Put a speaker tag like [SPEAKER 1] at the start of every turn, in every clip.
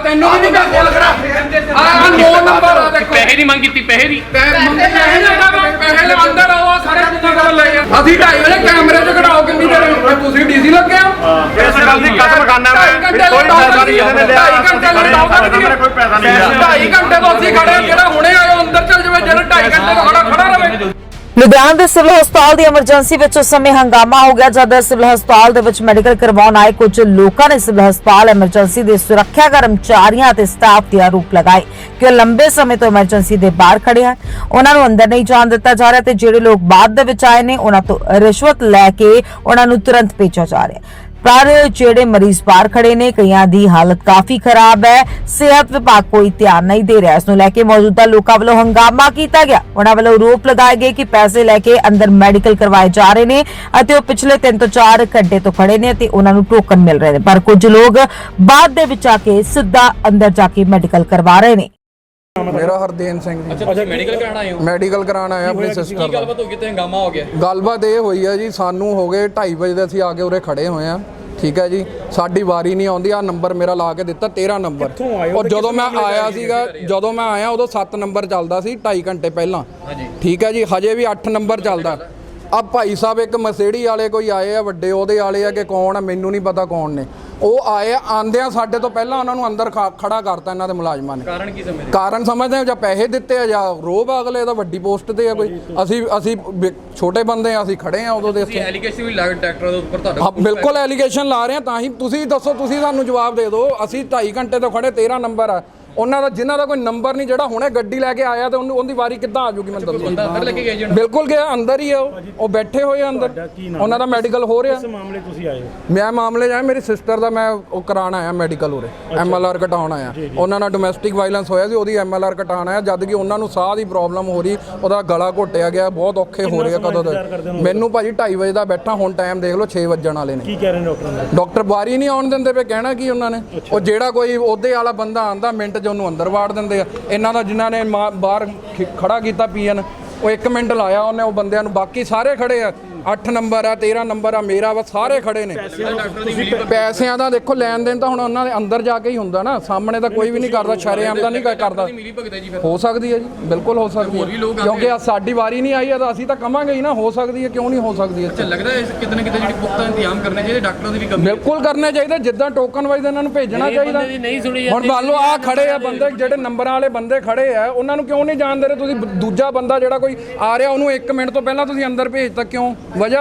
[SPEAKER 1] ਤੈਨੂੰ ਵੀ ਨਹੀਂ ਮੈਂ ਕੋਲ ਕਰਾ ਆ 9 ਨੰਬਰ ਆ ਦੇਖੋ
[SPEAKER 2] ਪੈਸੇ ਦੀ ਮੰਗ ਕੀਤੀ ਪੈਸੇ ਦੀ
[SPEAKER 1] ਪੈਸੇ ਅੰਦਰ ਆਓ ਸਾਰੇ ਜਿੰਨਾ ਕੋਲ ਲੈ ਜਾ ਅਸੀਂ 2:30 ਵਜੇ ਕੈਮਰੇ 'ਚ ਕਢਾਓ ਕਿੰਨੀ ਦੇਰ ਤੁਸੀਂ ਡੀਸੀ ਲੱਗੇ ਹੋ
[SPEAKER 2] ਇਸ ਗੱਲ ਦੀ ਕਸਮ ਖਾਨਾ ਮੈਂ ਕੋਈ ਪੈਸਾ ਨਹੀਂ ਇਹਨੇ ਲਿਆ
[SPEAKER 1] 2.5 ਘੰਟੇ
[SPEAKER 2] ਕੋਈ ਪੈਸਾ ਨਹੀਂ ਲਿਆ
[SPEAKER 1] 2.5 ਘੰਟੇ ਤੋਂ ਅਸੀਂ ਖੜੇ ਜਿਹੜਾ ਹੁਣੇ ਆਇਓ ਅੰਦਰ ਚੱਲ ਜਾਵੇ ਜਿਹੜਾ 2.5 ਘੰਟੇ ਤੋਂ ਖੜਾ ਰਵੇ।
[SPEAKER 3] ਲੁਧਿਆਣਾ ਦੇ ਸਿਵਲ ਹਸਪਤਾਲ ਦੀ ਐਮਰਜੈਂਸੀ ਵਿੱਚ ਉਸ ਸਮੇਂ ਹੰਗਾਮਾ ਹੋ ਗਿਆ ਜਦ ਸਿਵਲ ਹਸਪਤਾਲ ਦੇ ਵਿੱਚ ਮੈਡੀਕਲ ਕਰਵਾਉਣ ਆਏ ਕੁਝ ਲੋਕਾਂ ਨੇ ਸਿਵਲ ਹਸਪਤਾਲ ਐਮਰਜੈਂਸੀ ਦੇ ਸੁਰੱਖਿਆ ਕਰਮਚਾਰੀਆਂ ਅਤੇ ਸਟਾਫ ਦੇ ਆਰੋਪ ਲਗਾਏ ਕਿ ਉਹ ਲੰਬੇ ਸਮੇਂ ਤੋਂ ਐਮਰਜੈਂਸੀ ਦੇ ਬਾਹਰ ਖੜੇ ਹਨ, ਉਹਨਾਂ ਨੂੰ ਅੰਦਰ ਨਹੀਂ ਜਾਣ ਦਿੱਤਾ ਜਾ ਰਿਹਾ ਤੇ ਜਿਹੜੇ ਲੋਕ ਬਾਅਦ ਦੇ ਵਿੱਚ ਆਏ ਨੇ ਉਹਨਾਂ ਤੋਂ ਰਿਸ਼ਵਤ ਲੈ ਕੇ ਉਹਨਾਂ ਨੂੰ ਤੁਰੰਤ ਭੇਜਿਆ ਜਾ ਰਿਹਾ। पर जेड़े मरीज बाहर खड़े ने कईयां दी हालत काफी खराब है, सेहत विभाग कोई ध्यान नहीं दे रहा। इसनूं लैके मौजूदा लोकां वल्लों हंगामा कीता गया। उन्हां वल्लों आरोप लगाए गए कि पैसे लैके अंदर मैडिकल करवाए जा रहे ने अते ओह पिछले 3 तो 4 घंटे तो खड़े ने अते उन्हां नूं टोकन मिल रहे ने, पर कुछ लोग बाद दे विच आके सीधा अंदर जाके मैडिकल करवा रहे ने।
[SPEAKER 1] मेरा हरदेन सिंह जी।
[SPEAKER 2] अच्छा मेडिकल कराना आए हो?
[SPEAKER 1] ਮੈਡੀਕਲ ਕਰਾਉਣ ਆਇਆ ਆਪਣੀ ਸਿਸਟਰ ਦਾ।
[SPEAKER 2] ਗੱਲਬਾਤ ਹੋ ਗਈ ਤੇ ਹੰਗਾਮਾ ਹੋ ਗਿਆ।
[SPEAKER 1] ਗੱਲਬਾਤ ਇਹ ਹੋਈ ਹੈ ਜੀ, ਸਾਨੂੰ ਹੋ ਗਏ 2:30 ਵਜੇ ਦੇ ਅਸੀਂ ਆ ਕੇ ਉਰੇ ਖੜੇ ਹੋਏ ਆ, ਠੀਕ ਹੈ ਜੀ। ਸਾਡੀ ਵਾਰੀ ਨਹੀਂ ਆਉਂਦੀ, ਆ ਨੰਬਰ ਮੇਰਾ ਲਾ ਕੇ ਦਿੱਤਾ 13 ਨੰਬਰ। ਔਰ ਜਦੋਂ ਮੈਂ ਆਇਆ ਸੀਗਾ, ਜਦੋਂ ਮੈਂ ਆਇਆ ਉਦੋਂ 7 ਨੰਬਰ ਚੱਲਦਾ ਸੀ 2.5 ਘੰਟੇ ਪਹਿਲਾਂ, ਠੀਕ ਹੈ ਜੀ। ਹਜੇ ਵੀ 8 ਨੰਬਰ ਚੱਲਦਾ। ਆ ਭਾਈ ਸਾਹਿਬ ਇੱਕ ਮਸੇੜੀ ਵਾਲੇ ਕੋਈ ਆਏ ਆ, ਵੱਡੇ ਉਹਦੇ ਵਾਲੇ ਆ ਕਿ ਕੌਣ ਆ ਮੈਨੂੰ ਨਹੀਂ ਪਤਾ ਕੌਣ ਨੇ, ਉਹ ਆਏ ਆਂਦਿਆਂ ਸਾਡੇ ਤੋਂ ਪਹਿਲਾਂ ਉਹਨਾਂ ਨੂੰ ਅੰਦਰ ਖੜਾ ਕਰਤਾ ਇਹਨਾਂ ਦੇ ਮੁਲਾਜ਼ਮਾਂ ਨੇ। ਕਾਰਨ ਕੀ ਸਮਝਦੇ? ਕਾਰਨ ਸਮਝਦੇ ਆ ਜਾਂ ਪੈਸੇ ਦਿੱਤੇ ਆ ਜਾਂ ਰੋਬ ਅਗਲੇ ਦਾ ਵੱਡੀ ਪੋਸਟ ਤੇ ਆ ਕੋਈ। ਅਸੀਂ ਛੋਟੇ ਬੰਦੇ ਆ, ਅਸੀਂ ਖੜੇ ਆ ਉਦੋਂ ਦੇ ਇੱਥੇ।
[SPEAKER 2] ਐਲੀਗੇਸ਼ਨ ਵੀ ਲੱਗ ਡਾਕਟਰ ਦੇ ਉੱਪਰ ਤੁਹਾਡਾ?
[SPEAKER 1] ਹਾਂ ਬਿਲਕੁਲ ਐਲੀਗੇਸ਼ਨ ਲਾ ਰਹੇ ਆ, ਤਾਂ ਹੀ ਤੁਸੀਂ ਦੱਸੋ, ਤੁਸੀਂ ਸਾਨੂੰ ਜਵਾਬ ਦੇ ਦਿਓ। ਅਸੀਂ 2.5 ਘੰਟੇ ਤੋਂ ਖੜੇ, 13 ਨੰਬਰ ਆ ਉਹਨਾਂ ਦਾ, ਜਿਨ੍ਹਾਂ ਦਾ ਕੋਈ ਨੰਬਰ ਨਹੀਂ, ਜਿਹੜਾ ਹੁਣੇ ਗੱਡੀ ਲੈ ਕੇ ਆਇਆ ਤੇ ਉਹਦੀ ਵਾਰੀ ਕਿੱਦਾਂ ਆ ਜੂਗੀ ਮੈਨੂੰ ਦੱਸੋ।
[SPEAKER 2] ਅੰਦਰ ਲੈ ਕੇ ਗਏ ਜੀ? ਬਿਲਕੁਲ
[SPEAKER 1] ਗਿਆ, ਅੰਦਰ ਹੀ ਆ ਉਹ ਬੈਠੇ ਹੋਏ ਆ ਅੰਦਰ, ਉਹਨਾਂ ਦਾ ਮੈਡੀਕਲ ਹੋ ਰਿਹਾ।
[SPEAKER 4] ਇਸ ਮਾਮਲੇ ਤੁਸੀਂ ਆਏ ਹੋ?
[SPEAKER 1] ਮੈਂ ਮਾਮਲੇ ਜਾਇਆ, ਮੇਰੀ ਸਿਸਟਰ ਦਾ ਮੈਂ ਉਹ ਕਰਾਉਣ ਆਇਆ ਮੈਡੀਕਲ ਉਰੇ, MLR ਕਟਾਉਣ ਆਇਆ। ਉਹਨਾਂ ਨਾਲ ਡੋਮੈਸਟਿਕ ਵਾਇਲੈਂਸ ਹੋਇਆ ਸੀ, ਉਹਦੀ MLR ਕਟਾਉਣ ਆਇਆ, ਜਦ ਕਿ ਉਹਨਾਂ ਨੂੰ ਸਾਹ ਦੀ ਪ੍ਰੋਬਲਮ ਹੋ ਰਹੀ, ਉਹਦਾ ਗਲਾ ਘੋਟਿਆ ਗਿਆ, ਬਹੁਤ ਔਖੇ ਹੋ ਰਹੇ ਆ। ਕਦੋਂ ਦਾ ਮੈਨੂੰ ਭਾਜੀ 2:30 ਵਜੇ ਦਾ ਬੈਠਾ, ਹੁਣ ਟਾਈਮ ਦੇਖ ਲਓ 6 ਵੱਜਣ ਵਾਲੇ ਨੇ।
[SPEAKER 4] ਕੀ ਕਹਿ ਰਹੇ ਨੇ ਡਾਕਟਰ?
[SPEAKER 1] ਡਾਕਟਰ ਵਾਰੀ ਨਹੀਂ ਆਉਣ ਦਿੰਦੇ ਪਏ, ਕਹਿਣਾ ਕੀ ਉਹਨਾਂ ਨੇ। ਉਹ ਜਿਹੜਾ ਕੋਈ ਉਹਦੇ ਵਾਲਾ ਬੰਦਾ ਆਂਦਾ ਮਿੰਟ 'ਚ ਉਹਨੂੰ ਅੰਦਰ ਵਾੜ ਦਿੰਦੇ ਆ। ਇਹਨਾਂ ਦਾ ਜਿਨ੍ਹਾਂ ਨੇ ਬਾਹਰ ਖੜਾ ਕੀਤਾ ਪੀਐਨ, ਉਹ 1 ਮਿੰਟ ਲਾਇਆ ਉਹਨੇ ਉਹ ਬੰਦਿਆਂ ਨੂੰ, ਬਾਕੀ ਸਾਰੇ ਖੜੇ ਆ। 8 ਨੰਬਰ ਆ, 13 ਨੰਬਰ ਆ, ਮੇਰਾ ਵਾ, ਸਾਰੇ ਖੜੇ ਨੇ। ਪੈਸਿਆਂ ਦਾ ਦੇਖੋ ਲੈਣ ਦੇਣ ਤਾਂ ਹੁਣ ਉਹਨਾਂ ਦੇ ਅੰਦਰ ਜਾ ਕੇ ਹੀ ਹੁੰਦਾ ਨਾ, ਸਾਹਮਣੇ ਤਾਂ ਕੋਈ ਵੀ ਨਹੀਂ ਕਰਦਾ, ਸ਼ਰੇਆਮ ਦਾ ਨਹੀਂ ਕਰਦਾ। ਹੋ ਸਕਦੀ ਹੈ ਜੀ, ਬਿਲਕੁਲ ਹੋ ਸਕਦੀ ਹੈ, ਕਿਉਂਕਿ ਸਾਡੀ ਵਾਰੀ ਨਹੀਂ ਆਈ ਹੈ ਤਾਂ ਅਸੀਂ ਤਾਂ ਕਵਾਂਗੇ ਹੀ ਨਾ, ਹੋ ਸਕਦੀ ਹੈ, ਕਿਉਂ ਨਹੀਂ ਹੋ ਸਕਦੀ।
[SPEAKER 2] ਅੱਛਾ ਲੱਗਦਾ ਹੈ ਕਿਤੇ ਨਾ ਕਿਤੇ ਜਿਹੜੀ ਪੁਖਤਾ ਇੰਤਜ਼ਾਮ ਕਰਨੇ ਚਾਹੀਦੇ, ਡਾਕਟਰਾਂ ਦੀ ਵੀ ਕਮੀ
[SPEAKER 1] ਬਿਲਕੁਲ ਕਰਨੇ ਚਾਹੀਦੇ, ਜਿੱਦਾਂ ਟੋਕਨ ਵਾਈਜ਼ ਇਹਨਾਂ ਨੂੰ ਭੇਜਣਾ ਚਾਹੀਦਾ। ਹੁਣ ਮੰਨ ਲਓ ਆ ਖੜੇ ਆ ਬੰਦੇ, ਜਿਹੜੇ ਨੰਬਰਾਂ ਵਾਲੇ ਬੰਦੇ ਖੜੇ ਆ, ਉਹਨਾਂ ਨੂੰ ਕਿਉਂ ਨਹੀਂ ਜਾਣ ਦੇ ਰਹੇ ਤੁਸੀਂ? ਦੂਜਾ ਬੰਦਾ ਜਿਹੜਾ ਕੋਈ ਆ ਰਿਹਾ ਉਹਨੂੰ 1 ਮਿੰਟ ਤੋਂ ਪਹਿਲਾਂ ਤੁਸੀਂ ਅੰਦਰ ਭੇਜਤਾ, ਕਿਉਂ? ਵਜ੍ਹਾ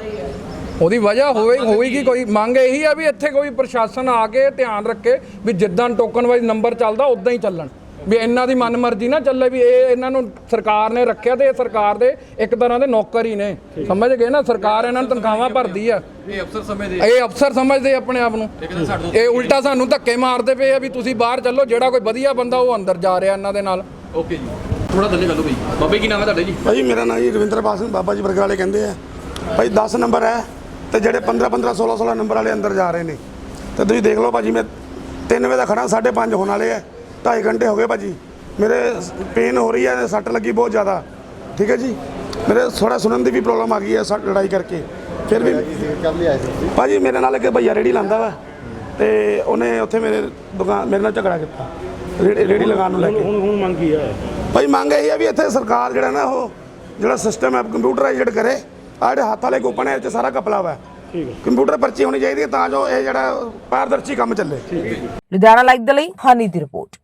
[SPEAKER 1] ਉਹਦੀ ਵਜ੍ਹਾ ਹੋਵੇਗੀ ਕੋਈ। ਮੰਗ ਇਹੀ ਆ ਵੀ ਇੱਥੇ ਕੋਈ ਪ੍ਰਸ਼ਾਸਨ ਆ ਕੇ ਧਿਆਨ ਰੱਖੇ ਵੀ ਜਿੱਦਾਂ ਟੋਕਨ ਵਾਈਜ਼ ਨੰਬਰ ਚੱਲਦਾ ਉਦਾਂ ਹੀ ਚੱਲਣ, ਵੀ ਇਹਨਾਂ ਦੀ ਮਨਮਰਜ਼ੀ ਨਾ ਚੱਲੇ, ਵੀ ਇਹ ਇਹਨਾਂ ਨੂੰ ਸਰਕਾਰ ਨੇ ਰੱਖਿਆ ਤੇ ਇਹ ਸਰਕਾਰ ਦੇ ਇੱਕ ਤਰ੍ਹਾਂ ਦੇ ਨੌਕਰ ਹੀ ਨੇ, ਸਮਝ ਗਏ ਨਾ। ਸਰਕਾਰ ਇਹਨਾਂ ਨੂੰ ਤਨਖਾਹਾਂ ਭਰਦੀ ਆ, ਇਹ ਅਫਸਰ ਸਮਝਦੇ ਆਪਣੇ ਆਪ ਨੂੰ। ਇਹ ਉਲਟਾ ਸਾਨੂੰ ਧੱਕੇ ਮਾਰਦੇ ਪਏ ਆ ਵੀ ਤੁਸੀਂ ਬਾਹਰ ਚੱਲੋ, ਜਿਹੜਾ ਕੋਈ ਵਧੀਆ ਬੰਦਾ ਉਹ ਅੰਦਰ ਜਾ ਰਿਹਾ ਇਹਨਾਂ ਦੇ ਨਾਲ।
[SPEAKER 2] ਓਕੇ ਜੀ, ਥੋੜਾ ਥੱਲੇ ਕਰ ਲਓ ਭਾਈ। ਬਾਬਾ ਕੀ ਨਾਮ ਹੈ ਤੁਹਾਡਾ ਜੀ?
[SPEAKER 5] ਭਾਈ ਮੇਰਾ ਨਾਮ ਜੀ ਰਵਿੰਦਰਪਾਲ ਸਿੰਘ, ਬਾਬਾ ਜੀ ਬਰਗਰ ਵਾਲੇ ਕਹਿੰਦੇ ਆ। ਭਾਈ 10 ਨੰਬਰ ਹੈ ਤੇ ਜਿਹੜੇ 15 16 ਨੰਬਰ ਵਾਲੇ ਅੰਦਰ ਜਾ ਰਹੇ ਨੇ, ਤੇ ਤੁਸੀਂ ਦੇਖ ਲਓ ਭਾਜੀ, ਮੈਂ 3 ਵਜੇ ਦਾ ਖੜਾ, 5:30 ਹੋਣ ਵਾਲੇ ਆ, 2.5 ਘੰਟੇ ਹੋ ਗਏ ਭਾਜੀ। ਮੇਰੇ ਪੇਨ ਹੋ ਰਹੀ ਹੈ, ਸੱਟ ਲੱਗੀ ਬਹੁਤ ਜ਼ਿਆਦਾ, ਠੀਕ ਹੈ ਜੀ। ਮੇਰੇ ਥੋੜਾ ਸੁਣਨ ਦੀ ਵੀ ਪ੍ਰੋਬਲਮ ਆ ਗਈ ਹੈ ਲੜਾਈ ਕਰਕੇ। ਫਿਰ ਵੀ ਭਾਜੀ ਮੇਰੇ ਨਾਲ ਇੱਕ ਭਈਆ ਰੇੜੀ ਲਾਉਂਦਾ ਵਾ, ਤੇ ਉਹਨੇ ਉੱਥੇ ਮੇਰੇ ਨਾਲ ਝਗੜਾ ਕੀਤਾ ਰੇੜੀ ਲਗਾਉਣ ਨੂੰ ਲੈ ਕੇ।
[SPEAKER 4] ਹੁਣ ਮੰਗ ਕੀ ਹੈ
[SPEAKER 5] ਭਾਈ? ਮੰਗ ਇਹ ਹੈ ਵੀ ਇੱਥੇ ਸਰਕਾਰ ਜਿਹੜਾ ਨਾ ਉਹ ਜਿਹੜਾ ਸਿਸਟਮ ਹੈ ਕੰਪਿਊਟਰਾਈਜ਼ਡ ਕਰੇ। ਆਹ ਜਿਹੜੇ ਹੱਥ ਵਾਲੇ ਕੂਪਨ ਹੈ, ਇਹ 'ਚ ਸਾਰਾ ਕਪਲਾ ਵਾ, ਕੰਪਿਊਟਰ ਪਰਚੀ ਹੋਣੀ ਚਾਹੀਦੀ ਹੈ ਤਾਂ ਜੋ ਇਹ ਜਿਹੜਾ ਪਾਰਦਰਸ਼ੀ ਕੰਮ ਚੱਲੇ।
[SPEAKER 3] ਲੁਧਿਆਣਾ ਲਾਈਵ ਦੇ ਲਈ ਹਾਨੀ ਦੀ ਰਿਪੋਰਟ।